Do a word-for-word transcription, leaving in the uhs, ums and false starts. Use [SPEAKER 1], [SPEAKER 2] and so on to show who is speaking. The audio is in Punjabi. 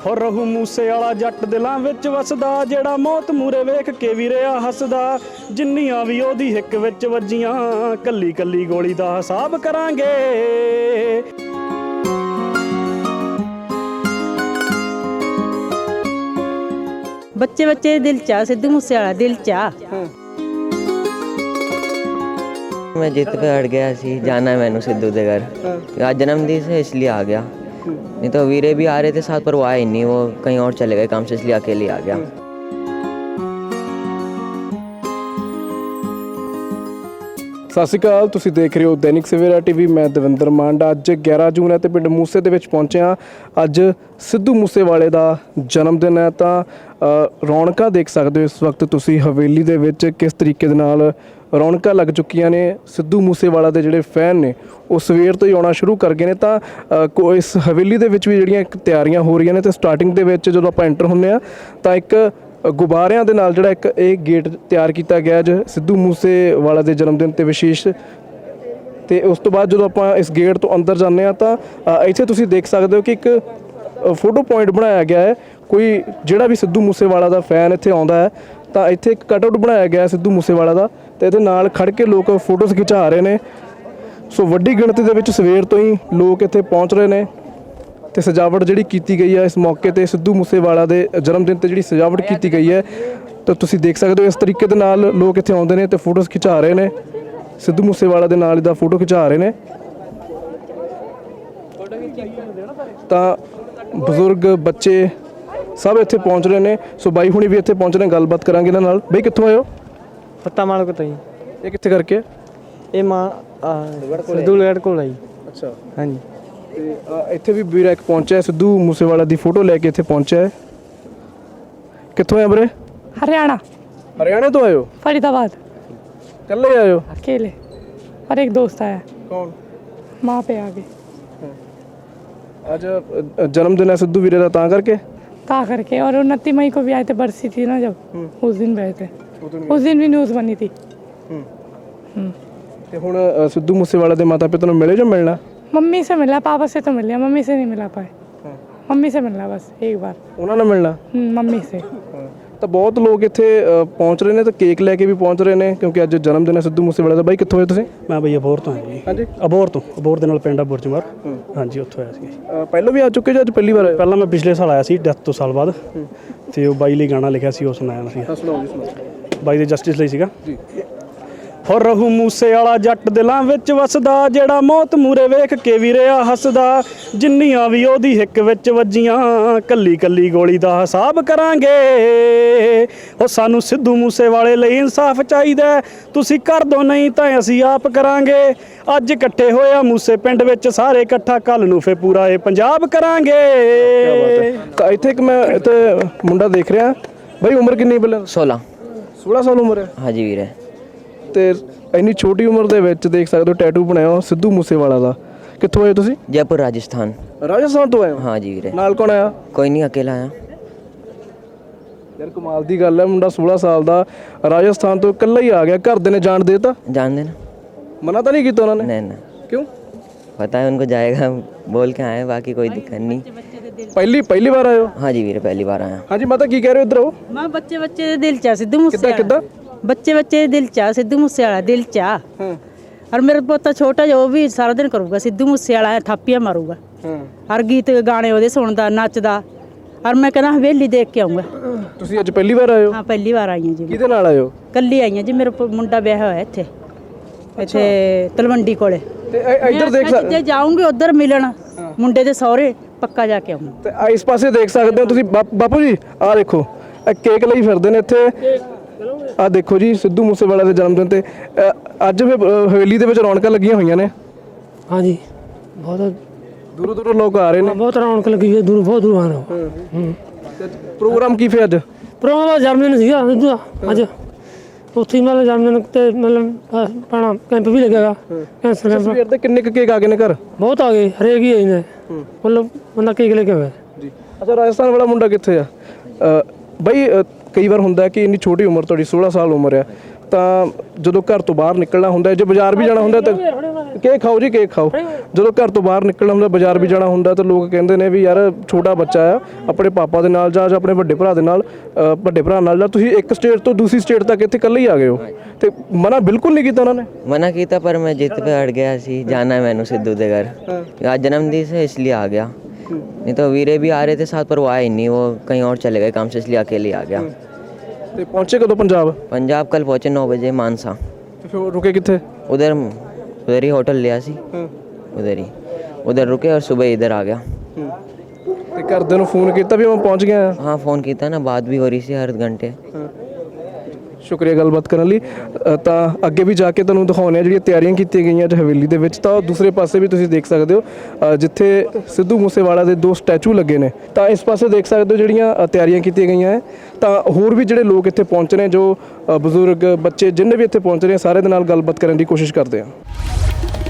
[SPEAKER 1] ਹੋ ਰਹੂ ਮੂਸੇ ਵਾਲਾ ਜੱਟ ਦਿਲਾਂ ਵਿੱਚ ਵਸਦਾ, ਜਿਹੜਾ ਮੌਤ ਮੂਰੇ ਵੇਖ ਕੇ ਵੀ ਰਿਹਾ ਹੱਸਦਾ। ਜਿੰਨੀਆਂ ਵੀ ਉਹਦੀ ਹਿੱਕ ਵਿੱਚ ਵੱਜੀਆਂ, ਕੱਲੀ ਕੱਲੀ ਗੋਲੀ ਦਾ ਹਿਸਾਬ ਕਰਾਂਗੇ।
[SPEAKER 2] ਬੱਚੇ ਬੱਚੇ ਦਿਲ ਚਾਹ, ਸਿੱਧੂ ਮੂਸੇ ਵਾਲਾ ਦਿਲ ਚਾਹ।
[SPEAKER 3] मैं जिद पे अड़ गया सी, जाना है मैंने सिद्धू के घर। आज जन्मदिन से इसलिए आ गया, नहीं तो वीरे भी आ रहे थे साथ पर वो आए नहीं, वो कहीं और चले गए काम से, इसलिए अकेले आ गया।
[SPEAKER 4] ਸਤਿ ਸ਼੍ਰੀ ਅਕਾਲ, ਤੁਸੀਂ ਦੇਖ ਰਹੇ ਹੋ ਦੈਨਿਕ ਸਵੇਰਾ ਟੀਵੀ। ਮੈਂ ਦਵਿੰਦਰ ਮਾਂਡਾ। ਅੱਜ ਗਿਆਰਾਂ ਜੂਨ ਹੈ ਤੇ ਪਿੰਡ ਮੂਸੇ ਦੇ ਵਿੱਚ ਪਹੁੰਚੇ ਹਾਂ। ਅੱਜ ਸਿੱਧੂ ਮੂਸੇਵਾਲੇ ਦਾ ਜਨਮ ਦਿਨ ਹੈ ਤਾਂ ਰੌਣਕਾਂ ਦੇਖ ਸਕਦੇ ਹੋ ਇਸ ਵਕਤ ਤੁਸੀਂ ਹਵੇਲੀ ਦੇ ਵਿੱਚ ਕਿਸ ਤਰੀਕੇ ਦੇ ਨਾਲ ਰੌਣਕਾਂ ਲੱਗ ਚੁੱਕੀਆਂ ਨੇ। ਸਿੱਧੂ ਮੂਸੇਵਾਲਾ ਦੇ ਜਿਹੜੇ ਫੈਨ ਨੇ ਉਹ ਸਵੇਰ ਤੋਂ ਹੀ ਆਉਣਾ ਸ਼ੁਰੂ ਕਰ ਗਏ ਨੇ। ਤਾਂ ਇਸ ਹਵੇਲੀ ਦੇ ਵਿੱਚ ਵੀ ਜਿਹੜੀਆਂ ਇੱਕ ਤਿਆਰੀਆਂ ਹੋ ਰਹੀਆਂ ਨੇ ਤੇ ਸਟਾਰਟਿੰਗ ਦੇ ਵਿੱਚ ਜਦੋਂ ਆਪਾਂ ਐਂਟਰ ਹੁੰਦੇ ਹਾਂ ਤਾਂ ਇੱਕ ਗੁਬਾਰਿਆਂ ਦੇ ਨਾਲ ਜਿਹੜਾ ਇੱਕ ਇਹ ਗੇਟ ਤਿਆਰ ਕੀਤਾ ਗਿਆ ਅੱਜ ਸਿੱਧੂ ਮੂਸੇਵਾਲਾ ਦੇ ਜਨਮ ਦਿਨ 'ਤੇ ਵਿਸ਼ੇਸ਼। ਅਤੇ ਉਸ ਤੋਂ ਬਾਅਦ ਜਦੋਂ ਆਪਾਂ ਇਸ ਗੇਟ ਤੋਂ ਅੰਦਰ ਜਾਂਦੇ ਹਾਂ ਤਾਂ ਇੱਥੇ ਤੁਸੀਂ ਦੇਖ ਸਕਦੇ ਹੋ ਕਿ ਇੱਕ ਫੋਟੋ ਪੁਆਇੰਟ ਬਣਾਇਆ ਗਿਆ ਹੈ। ਕੋਈ ਜਿਹੜਾ ਵੀ ਸਿੱਧੂ ਮੂਸੇਵਾਲਾ ਦਾ ਫੈਨ ਇੱਥੇ ਆਉਂਦਾ ਹੈ ਤਾਂ ਇੱਥੇ ਇੱਕ ਕਟ ਆਊਟ ਬਣਾਇਆ ਗਿਆ ਸਿੱਧੂ ਮੂਸੇਵਾਲਾ ਦਾ, ਅਤੇ ਇਹਦੇ ਨਾਲ ਖੜ੍ਹ ਕੇ ਲੋਕ ਫੋਟੋਜ਼ ਖਿਚਾ ਰਹੇ ਨੇ। ਸੋ ਵੱਡੀ ਗਿਣਤੀ ਦੇ ਵਿੱਚ ਸਵੇਰ ਤੋਂ ਹੀ ਲੋਕ ਇੱਥੇ ਪਹੁੰਚ ਰਹੇ ਨੇ ਤੇ ਸਜਾਵਟ ਜਿਹੜੀ ਕੀਤੀ ਗਈ ਹੈ ਇਸ ਮੌਕੇ ਤੇ ਸਿੱਧੂ ਮੂਸੇਵਾਲਾ ਦੇ ਜਨਮ ਦਿਨ ਤੇ ਜਿਹੜੀ ਸਜਾਵਟ ਕੀਤੀ ਗਈ ਹੈ ਤਾਂ ਤੁਸੀਂ ਦੇਖ ਸਕਦੇ ਹੋ ਇਸ ਤਰੀਕੇ ਦੇ ਨਾਲ ਲੋਕ ਇੱਥੇ ਆਉਂਦੇ ਨੇ ਤੇ ਫੋਟੋਜ਼ ਖਿਚਾ ਰਹੇ ਨੇ। ਸਿੱਧੂ ਮੂਸੇਵਾਲਾ ਦੇ ਨਾਲ ਇਹਦਾ ਫੋਟੋ ਖਿਚਾ ਰਹੇ ਨੇ। ਤਾਂ ਬਜ਼ੁਰਗ ਬੱਚੇ ਸਭ ਇੱਥੇ ਪਹੁੰਚ ਰਹੇ ਨੇ। ਸੋ ਬਾਈ ਹੁਣੀ ਵੀ ਇੱਥੇ ਪਹੁੰਚ ਰਹੇ, ਗੱਲਬਾਤ ਕਰਾਂਗੇ ਇਹਨਾਂ ਨਾਲ। ਬਾਈ ਕਿੱਥੋਂ ਆਏ ਹੋ?
[SPEAKER 5] ਪੱਤਾ ਮਾਲ ਕੋਲ ਜੀ।
[SPEAKER 4] ਇਹ ਕਿੱਥੇ ਕਰਕੇ?
[SPEAKER 5] ਇਹ ਮਾਂ ਸਿੱਧੂਗੜ੍ਹ ਕੋਲ ਆਈ।
[SPEAKER 4] ਅੱਛਾ,
[SPEAKER 5] ਹਾਂਜੀ।
[SPEAKER 4] ਤੇ ਇੱਥੇ ਵੀ ਵੀਰਾ ਇੱਕ ਪਹੁੰਚਿਆ ਸਿੱਧੂ ਮੂਸੇਵਾਲਾ ਦੀ ਫੋਟੋ ਲੈ ਕੇ ਇੱਥੇ ਪਹੁੰਚਿਆ ਹੈ। ਕਿੱਥੋਂ ਆਏ ਵੀਰੇ?
[SPEAKER 6] हरियाणा।
[SPEAKER 4] हरियाणा तो आए हो?
[SPEAKER 6] फरीदाबाद।
[SPEAKER 4] कल ही आए हो?
[SPEAKER 6] अकेले, और एक दोस्त आया।
[SPEAKER 4] कौन?
[SPEAKER 6] माँ पे आ गए
[SPEAKER 4] आज जन्मदिन है सिद्धू वीरे का तां करके
[SPEAKER 6] ता करके। और उनतीस मई को भी आए थे, बरसी थी ना जब, उस दिन भी आए थे। उस दिन भी न्यूज़ बनी थी।
[SPEAKER 4] ਤੇ ਹੁਣ ਸਿੱਧੂ ਮੂਸੇਵਾਲਾ ਦੇ ਮਾਤਾ ਪਿਤਾ ਨੂੰ ਮਿਲੇ ਜਾਂ ਮਿਲਣਾ?
[SPEAKER 6] मम्मी से मिला, पापा से तो मिल लिया, मम्मी से नहीं मिला पाए। मम्मी से मिलना बस एक बार,
[SPEAKER 4] ਉਹਨਾਂ ਨਾਲ ਮਿਲਣਾ।
[SPEAKER 6] मम्मी से।
[SPEAKER 4] ਤਾਂ ਬਹੁਤ ਲੋਕ ਇੱਥੇ ਪਹੁੰਚ ਰਹੇ ਨੇ ਤੇ ਕੇਕ ਲੈ ਕੇ ਵੀ ਪਹੁੰਚ ਰਹੇ ਨੇ ਕਿਉਂਕਿ ਅੱਜ ਜਨਮ ਦਿਨ ਹੈ ਸਿੱਧੂ ਮੂਸੇਵਾਲਾ ਦਾ। ਬਾਈ ਕਿੱਥੋਂ ਹੋਏ ਤੁਸੀਂ?
[SPEAKER 1] ਮੈਂ ਬਈ ਅਬੋਹਰ ਤੋਂ ਆਇਆ ਜੀ।
[SPEAKER 4] ਹਾਂਜੀ,
[SPEAKER 1] ਅਬੋਹਰ ਤੋਂ। ਅਬੋਹਰ ਦੇ ਨਾਲ ਪਿੰਡ ਆ ਬੁਰਜਮਾਰ। ਹਾਂਜੀ, ਉੱਥੋਂ ਆਇਆ ਸੀ।
[SPEAKER 4] ਪਹਿਲਾਂ ਵੀ ਆ ਚੁੱਕੇ ਜਾਂ ਅੱਜ ਪਹਿਲੀ ਵਾਰ ਆਏ?
[SPEAKER 1] ਪਹਿਲਾਂ ਮੈਂ ਪਿਛਲੇ ਸਾਲ ਆਇਆ ਸੀ ਡੈਥ ਤੋਂ ਸਾਲ ਬਾਅਦ, ਤੇ ਉਹ ਬਾਈ ਲਈ ਗਾਣਾ ਲਿਖਿਆ ਸੀ, ਉਹ ਸੁਣਾਇਆ ਸੀ।
[SPEAKER 4] ਸੁਣਾਓ ਜੀ, ਸੁਣਾਓ।
[SPEAKER 1] ਬਾਈ ਦੇ ਜਸਟਿਸ ਲਈ ਸੀਗਾ
[SPEAKER 4] ਜੀ।
[SPEAKER 1] ਹੋ ਰਹੂ ਮੂਸੇ ਵਾਲਾ ਜੱਟ ਦਿਲਾਂ ਵਿੱਚ ਵਸਦਾ, ਜਿਹੜਾ ਮੌਤ ਮੂਰੇ ਵੇਖ ਕੇ ਵੀ ਰਿਹਾ ਹੱਸਦਾ। ਜਿੰਨੀਆਂ ਵੀ ਉਹਦੀ ਹਿੱਕ ਵਿੱਚ ਵੱਜੀਆਂ, ਕੱਲੀ ਕੱਲੀ ਗੋਲੀ ਦਾ ਹਿਸਾਬ ਕਰਾਂਗੇ। ਉਹ ਸਾਨੂੰ ਸਿੱਧੂ ਮੂਸੇ ਵਾਲੇ ਲਈ ਇਨਸਾਫ ਚਾਹੀਦਾ, ਤੁਸੀਂ ਕਰ ਦੋ ਨਹੀਂ ਤਾਂ ਅਸੀਂ ਆਪ ਕਰਾਂਗੇ। ਅੱਜ ਇਕੱਠੇ ਹੋਇਆ ਮੂਸੇ ਪਿੰਡ ਵਿੱਚ ਸਾਰੇ ਇਕੱਠਾ, ਕੱਲ ਨੂੰ ਫੇ ਪੂਰਾ ਇਹ ਪੰਜਾਬ ਕਰਾਂਗੇ।
[SPEAKER 4] ਤਾਂ ਇੱਥੇ ਇੱਕ ਮੈਂ ਇੱਥੇ ਮੁੰਡਾ ਦੇਖ ਰਿਹਾ। ਬਾਈ ਉਮਰ ਕਿੰਨੀ ਪਹਿਲਾਂ?
[SPEAKER 3] सोलह।
[SPEAKER 4] सोलह ਸਾਲ ਉਮਰ ਹੈ?
[SPEAKER 3] हाँ जी वीरे।
[SPEAKER 4] ਤੇ ਇੰਨੀ ਛੋਟੀ ਉਮਰ ਦੇ ਵਿੱਚ ਦੇਖ ਸਕਦੇ ਹੋ ਟੈਟੂ ਬਣਾਇਆ ਹੋ ਸਿੱਧੂ ਮੂਸੇਵਾਲਾ ਦਾ। ਕਿੱਥੋਂ ਆਏ ਤੁਸੀਂ?
[SPEAKER 3] जयपुर राजस्थान।
[SPEAKER 4] ਰਾਜਸਥਾਨ ਤੋਂ ਆਏ ਹੋ?
[SPEAKER 3] हाँ जी वीरे।
[SPEAKER 4] ਨਾਲ ਕੌਣ ਆਇਆ?
[SPEAKER 3] कोई नहीं, अकेला आया।
[SPEAKER 4] ਯਾਰ ਕਮਾਲ ਦੀ ਗੱਲ ਹੈ, ਮੁੰਡਾ सोलह ਸਾਲ ਦਾ ਰਾਜਸਥਾਨ ਤੋਂ ਇਕੱਲਾ ਹੀ ਆ ਗਿਆ। ਘਰ ਦੇ ਨੇ ਜਾਣ ਦੇ ਤਾ?
[SPEAKER 3] जान देना।
[SPEAKER 4] ਮਨਾ ਤਾਂ ਨਹੀਂ ਕੀਤਾ ਉਹਨਾਂ ਨੇ?
[SPEAKER 3] नहीं ना,
[SPEAKER 4] ਕਿਉਂ?
[SPEAKER 3] पता है उनको, जाएगा बोल के आए, बाकी कोई दिक्कत नहीं।
[SPEAKER 4] ਪਹਿਲੀ ਪਹਿਲੀ ਵਾਰ ਆਏ ਹੋ?
[SPEAKER 3] हाँ जी वीरे, पहली बार आया।
[SPEAKER 4] ਹਾਂਜੀ ਮਾਤਾ ਕੀ ਕਹਿ ਰਹੇ ਹੋ? ਇੱਧਰ ਆਓ।
[SPEAKER 2] ਮਾਂ ਬੱਚੇ ਬੱਚੇ ਦੇ ਦਿਲ ਚਾਹ, ਸਿੱਧੂ ਮੂਸੇ
[SPEAKER 4] ਕਿੱਦਾਂ ਕਿੱਦਾਂ?
[SPEAKER 2] ਬੱਚੇ ਬੱਚੇ ਦੇ ਦਿਲ ਚਾਹ, ਸਿੱਧੂ ਮੂਸੇ ਵਾਲਾ ਦਿਲ ਚਾਹ।
[SPEAKER 4] ਹਾਂ
[SPEAKER 2] और मेरा पोता छोटा जो, वो भी सारा दिन करूँगा सिद्धू मूसे वाला, थापियाँ मारूगा।
[SPEAKER 4] ਹਾਂ।
[SPEAKER 2] हर गीत गाने ਉਹਦੇ ਸੁਣਦਾ, ਨੱਚਦਾ। और मैं कहना हवेली देख के आऊँगा।
[SPEAKER 4] ਤੁਸੀਂ ਅੱਜ ਪਹਿਲੀ ਵਾਰ ਆਏ ਹੋ?
[SPEAKER 2] हाँ पहली बार आई हूँ जी।
[SPEAKER 4] ਕਿਹਦੇ ਨਾਲ ਆਏ ਹੋ?
[SPEAKER 2] ਕੱਲੀ ਆਈ ਹਾਂ ਜੀ, ਮੇਰਾ ਪ- ਮੁੰਡਾ ਵਿਆਹ ਹੋਇਆ ਇੱਥੇ ਇੱਥੇ ਤਲਵੰਡੀ ਕੋਲੇ।
[SPEAKER 4] ਤੇ ਇ- ਇੱਧਰ ਦੇਖ
[SPEAKER 2] ਮੈਂ
[SPEAKER 4] ਸਕਦੇ
[SPEAKER 2] ਜੇ ਜਾਊਂਗੀ ਉਧਰ ਮਿਲਣ ਮੁੰਡੇ ਦੇ ਸਹੁਰੇ, ਪੱਕਾ ਜਾ ਕੇ ਆਉਂਗਾ।
[SPEAKER 4] ਤੇ ਆ ਇਸ ਪਾਸੇ ਦੇਖ ਸਕਦੇ ਹੋ ਤੁਸੀਂ। ਬਾਪ- ਬਾਪੂ ਜੀ ਆਹ ਦੇਖੋ, ਇਹ ਕੇਕ ਲਈ ਫਿਰਦੇ ਨੇ ਇੱਥੇ। ਆਹ ਦੇਖੋ ਜੀ ਸਿੱਧੂ ਮੂਸੇਵਾਲਾ ਦੇ ਜਨਮ ਦਿਨ ਤੇ ਅ, ਅੱਜ ਵੀ ਅ, ਹਵੇਲੀ ਦੇ ਵਿੱਚ ਰੌਣਕਾਂ ਲੱਗੀਆਂ ਹੋਈਆਂ ਨੇ।
[SPEAKER 5] हाँ जी, बहुत
[SPEAKER 4] ਦੂਰੋਂ ਦੂਰੋਂ ਲੋਕ ਆ ਰਹੇ ਨੇ।
[SPEAKER 5] बहुत रौनक लगी हुई है, दूर बहुत दूर आ रहे हो।
[SPEAKER 4] ਤੇ ਪ੍ਰੋਗਰਾਮ ਕੀ ਫਿਰ ਅੱਜ?
[SPEAKER 5] ਪ੍ਰੋਗਰਾਮ ਦਾ ਜਨਮਦਿਨ ਸੀਗਾ ਸਿੱਧੂ ਦਾ ਅੱਜ। ਉੱਥੇ ਹੀ ਮਤਲਬ ਜਨਮਦਿਨ ਤੇ ਮਤਲਬ ਆਪਣਾ ਕੈਂਪ ਵੀ ਲੱਗੇਗਾ, ਕੈਂਸਰ ਕੈਂਪ।
[SPEAKER 4] ਸਵੇਰ ਦੇ ਕਿੰਨੇ ਕੁ ਕੇਕ ਆ ਗਏ ਨੇ ਘਰ?
[SPEAKER 5] ਬਹੁਤ ਆ ਗਏ, ਹਰੇਕ ਹੀ ਆਏ ਨੇ। ਮਤਲਬ ਬੰਦਾ ਕੇਕ ਲੈ ਕੇ ਆਇਆ
[SPEAKER 4] ਜੀ। ਅੱਛਾ, ਰਾਜਸਥਾਨ ਵਾਲਾ ਮੁੰਡਾ ਕਿੱਥੇ ਆ? ਅ, ਬਈ ਅ, ਕਈ ਵਾਰ ਹੁੰਦਾ ਕਿ ਇੰਨੀ ਛੋਟੀ ਉਮਰ, ਤੁਹਾਡੀ सोलह ਸਾਲ ਉਮਰ ਆ, ਤਾਂ ਜਦੋਂ ਘਰ ਤੋਂ ਬਾਹਰ ਨਿਕਲਣਾ ਹੁੰਦਾ, ਜੇ ਬਾਜ਼ਾਰ ਵੀ ਜਾਣਾ ਹੁੰਦਾ ਤਾਂ ਕੇਕ ਖਾਓ ਜੀ, ਕੇਕ ਖਾਓ। ਜਦੋਂ ਘਰ ਤੋਂ ਬਾਹਰ ਨਿਕਲਣਾ ਹੁੰਦਾ, ਬਾਜ਼ਾਰ ਵੀ ਜਾਣਾ ਹੁੰਦਾ, ਤਾਂ ਲੋਕ ਕਹਿੰਦੇ ਨੇ ਵੀ ਯਾਰ ਛੋਟਾ ਬੱਚਾ ਆ, ਆਪਣੇ ਪਾਪਾ ਦੇ ਨਾਲ ਜਾ ਜਾਂ ਆਪਣੇ ਵੱਡੇ ਭਰਾ ਦੇ ਨਾਲ ਅ, ਵੱਡੇ ਭਰਾ ਨਾਲ ਜਾ। ਤੁਸੀਂ ਇੱਕ ਸਟੇਟ ਤੋਂ ਦੂਸਰੀ ਸਟੇਟ ਤੱਕ ਇੱਥੇ ਇਕੱਲੇ ਹੀ ਆ ਗਏ ਹੋ, ਤੇ ਮਨਾ ਬਿਲਕੁਲ ਨਹੀਂ ਕੀਤਾ ਉਹਨਾਂ ਨੇ?
[SPEAKER 3] मना किया पर मैं जिद पे अड़ गया सी, जाना है मैंने सिद्धू के घर। आज जन्मदिन से इसलिए आ गया, नहीं तो वीरे भी आ रहे थे साथ पर वो आए नहीं, वो कहीं और चले गए काम से, इसलिए अकेले आ गया।
[SPEAKER 4] ਤੇ ਪਹੁੰਚੇ ਕਦੋਂ ਪੰਜਾਬ?
[SPEAKER 3] पंजाब कल पहुँचे नौ बजे मानसा।
[SPEAKER 4] ਤੇ ਫਿਰ ਰੁਕੇ ਕਿੱਥੇ?
[SPEAKER 3] उधर उधर ही होटल लिया सी, उधर ही उधर रुके और सुबह इधर आ गया।
[SPEAKER 4] ਤੇ ਘਰਦਿਆਂ ਨੂੰ ਫੋਨ ਕੀਤਾ ਵੀ ਮੈਂ ਪਹੁੰਚ ਗਿਆ?
[SPEAKER 3] हाँ फ़ोन किया था ना, बात भी हो रही थी हर घंटे।
[SPEAKER 4] ਸ਼ੁਕਰੀਆ ਗੱਲਬਾਤ ਕਰਨ ਲਈ। ਅ, ਤਾਂ ਅੱਗੇ ਵੀ ਜਾ ਕੇ ਤੁਹਾਨੂੰ ਦਿਖਾਉਂਦੇ ਆ ਜਿਹੜੀਆਂ ਤਿਆਰੀਆਂ ਕੀਤੀਆਂ ਗਈਆਂ ਅੱਜ ਹਵੇਲੀ ਦੇ ਵਿੱਚ। ਤਾਂ ਦੂਸਰੇ ਪਾਸੇ ਵੀ ਤੁਸੀਂ ਦੇਖ ਸਕਦੇ ਹੋ ਅ, ਜਿੱਥੇ ਸਿੱਧੂ ਮੂਸੇਵਾਲਾ ਦੇ ਦੋ ਸਟੈਚੂ ਲੱਗੇ ਨੇ, ਤਾਂ ਇਸ ਪਾਸੇ ਦੇਖ ਸਕਦੇ ਹੋ ਜਿਹੜੀਆਂ ਅ, ਤਿਆਰੀਆਂ ਕੀਤੀਆਂ ਗਈਆਂ ਹੈ। ਤਾਂ ਹੋਰ ਵੀ ਜਿਹੜੇ ਲੋਕ ਇੱਥੇ ਪਹੁੰਚ ਰਹੇ, ਜੋ ਅ, ਬਜ਼ੁਰਗ ਬੱਚੇ ਜਿੰਨੇ ਵੀ ਇੱਥੇ ਪਹੁੰਚ ਰਹੇ, ਸਾਰੇ ਦੇ ਨਾਲ ਗੱਲਬਾਤ ਕਰਨ ਦੀ ਕੋਸ਼ਿਸ਼ ਕਰਦੇ ਹਾਂ।